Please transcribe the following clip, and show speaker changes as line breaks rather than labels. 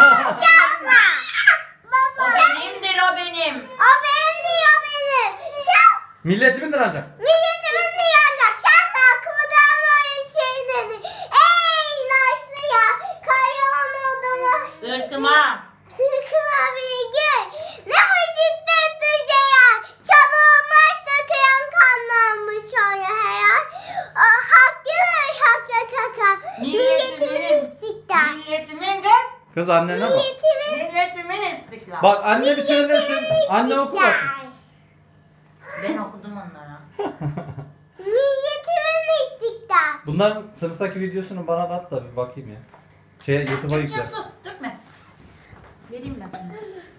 Şapka.
O benimdir, o benim.
O benim diyor benim.
Milletimindir ancak.
Milletimin diyecek. Şapka kudan oyun şeyleri. Ey nasıl ya? Kayan odama.
Irkıma.
Kırkıma bir gün. Ne bu ciddet duyca ya. Çan olmaz da kıyan kanlanmış oya hayal. Haklı kakan. Milletimin istiklal.
Milletimin kız.
Kız annene bak.
Milletimin istiklal.
Bak anne bir söylesin. Anne oku bak.
Ben okudum onlara.
Milletimin istiklal.
Bunların sınıftaki videosunu bana da at da bir bakayım ya. YouTube'a
Gideceğim
yükle.
su. Dökme. Vereyim ben sana.